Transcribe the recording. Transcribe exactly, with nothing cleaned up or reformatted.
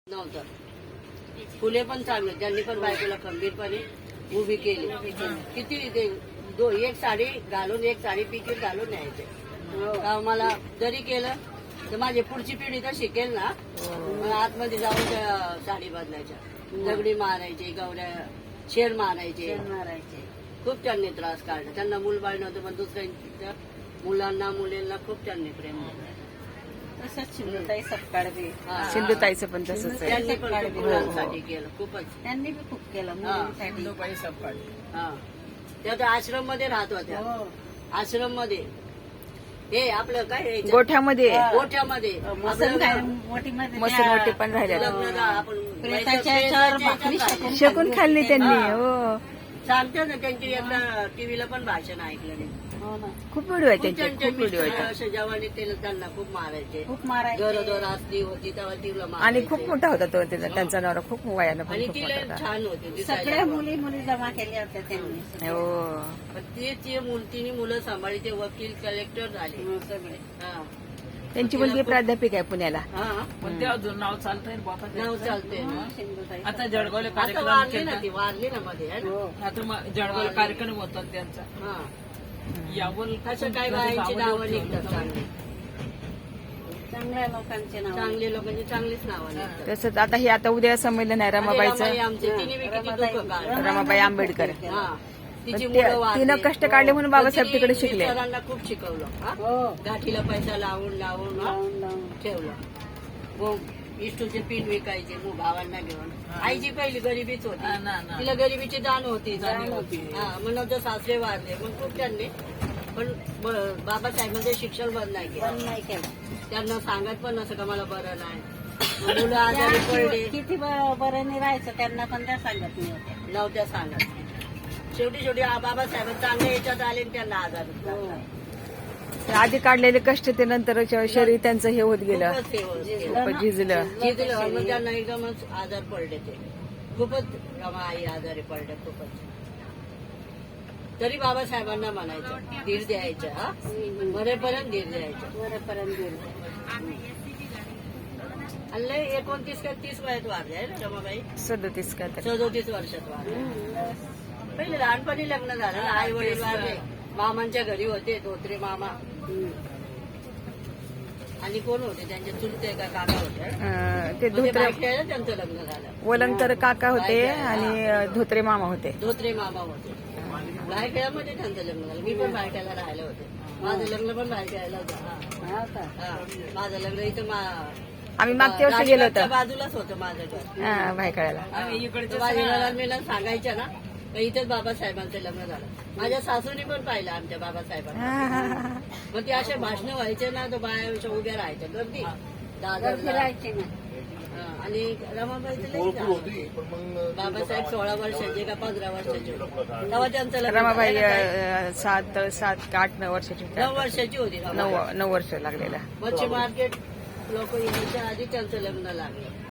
नव्हतं. फुले पण चांगले, त्यांनी पण बायकोला खंबीरपणे उभी केली. किती ते दो एक साडी घालून एक साडी पिकीट घालून न्यायचे. का मला जरी केलं तर माझी पुढची पिढी तर शिकेल ना. मग आतमध्ये जाऊन त्या साडी बदलायच्या, दगडी मारायचे, गवऱ्या शेर मारायचे मारायचे खूप त्यांनी त्रास काढला. त्यांना मूलबाळ नव्हतं, पण दुसऱ्यांच्या मुलांना मुलींना खूप त्यांनी प्रेम दिलं. तसंच सिंधुताई सपकाळ बी सिंधुताईचं पण तसंच आहे. त्यांनी पण खूप मुलांसाठी केलं, खूपच. त्यांनी बी खूप केलं मुलींसाठी. हा, त्या त्या आश्रम मध्ये राहत होत्या. हो. आश्रम मध्ये हे आपलं काय हे गोठ्यामध्ये गोठ्यामध्ये मसन काय मोठी मध्ये मसनवटी पण राहिल्या. लग्न झा- आपण प्रेताच्या याच्यावर भाकरी शकून शकून खाल्ली त्यांनी. हो, सांगतो ना, त्यांची एकदा टीव्हीला पण भाषण ऐकलं नाही. हो ना. खूप व्हिडिओ आहे खूप त्यांचे, त्यांचे खूप व्हिडिओ मिस्टर आहेत. असे जवानी ते त्यांना खूप मारायचे. खूप मारायचे गरोदर असली होती तेव्हा तिला आणि मारायचे. खूप मोठा होता तो त्याचा- त्यांचा नवरा खूप वयानं पण आणि खूप तिला मोठा होता. छान होती दिसायला सगळ्या पण. मुली मुली जमा केल्या होत्या त्यांनी. हो, पण ते ते मुल- तिने मुलं सांभाळी, ते वकील कलेक्टर झाले. हो, सगळे हा त्यांची मुलगी प्राध्यापिका आहे पुण्याला. हा, पण ते अजून नाव चालतंय ना बाबा नाव त्याचं. चालते ना. सिंधुताई आता जळगावला आता कार्यक्रम वारली ना केला. ती, वारली ना मध्ये है ना? हो. आता मग जळगावला कार्यक्रम होतात त्यांचा. हा, यावर असं काय बायांची नावं निघतात चांगली. चांगल्या लोकांचे नाव चांगले लोकांची चांगलीच नावं निघतात. तसंच आता हे आता उद्या संमेलन आहे आणि रमाबाई रमाबाईचं. आमचे, तिने बी किती दुःख काढलं. रमाबाई आंबेडकर. हा, तिची पण ते- मुलं वारली. तिनं कष्ट काढले म्हणून बाबासाहेब तिने तिकडे शिकले. मिस्टरांना खूप शिकवलं. हा? हो गाठीला पैसा लावून लावून हा, लावून लावून ठेवलं. मग इष्टूचे पीठ विकायचे मग भावांना घेऊन. आईची पहिली गरिबीच हा, होती, ना, ना. तिला गरिबीची जाण होती. जाणीव होती. हा, मग नंतर सासरे वारले, मग खूप त्यांनी पण ब- बाबासाहेबांचं शिक्षण बंद नाही केलं. पण नाही केलं. त्यांना सांगत पण नसं का मला बरं नाही. मग मुलं आजारी पडले, त्या किती ब- बरं नाही राहायचं त्यांना पण त्या सांगत नाही होत्या. नव्हत्या सांगत. शेवटी शेवटी आ- बाबासाहेब चांगल्या याच्यात आले आणि त्यांना आजार हो. झाला. आधी काढलेले कष्ट ते नंतर शरीर त्यांचं हे होत गेलं, खूपच हे होत गेलं. खूपच झिजलं. जिथलं मग त्यांना एकदमच आजार पडले ते. खूपच रमा आई आजारी पडल्या खूपच. तरी बाबासाहेबांना म्हणायचं धीर द्यायचं. हा, मरेपर्यंत धीर द्यायचं. वरपर्यंत गेलं. आणि लय एकोणतीस का तीस वयात वारले आहे ना रमाबाई. सदतीस का तरी. सदोतीस वर्षात वारले. पहिले लहानपणी लग्न झालं ना, आई वडील वारले. मामांच्या घरी होते धोत्रे मामा. आणि कोण होते त्यांचे चुलते का काका होते. अं, ते मग ते धोत्रे बायकेला त्यांचं लग्न झालं. वलंगकर काका होते आणि अं, धोत्रे मामा होते. धोत्रे मामा होते. बायकेळ्यामध्ये त्यांचं लग्न झालं. मी पण बायकेला राहिलं होते. माझं लग्न पण बायकेला झालं. हा का? हा, माझं लग्न इथं मा- आम्ही मागच्या वर्षी गेलो राजघाटच्या होतो बाजूला होतं माझं घर. हा, भायखळ्याला. आम्ही इकडचे माझ्या मी सांगायच्या ना तर इथेच बाबासाहेबांचं लग्न झालं. माझ्या सासूने पण पाहिलं आमच्या बाबासाहेबांना. मग ते असे भाषण व्हायचे ना, तर बाया उभ्या राहायच्या गर्दी दादरला. फिरायचे ना. हा, आणि रमाबाईचं लई झालं. बाबासाहेब सोळा वर्षाचे का पंधरा वर्षाचे होते. तेव्हा त्यांचं लग्न रमाबाई झालं. काय? अं, सात सात का आठ नऊ वर्षाची होती. नऊ वर्षाची होती नऊ रमाबाई. नऊ वर्ष लागलेला. मच्छी मार्केट लोक यायच्या आधी त्यांचं लग्न लागलं.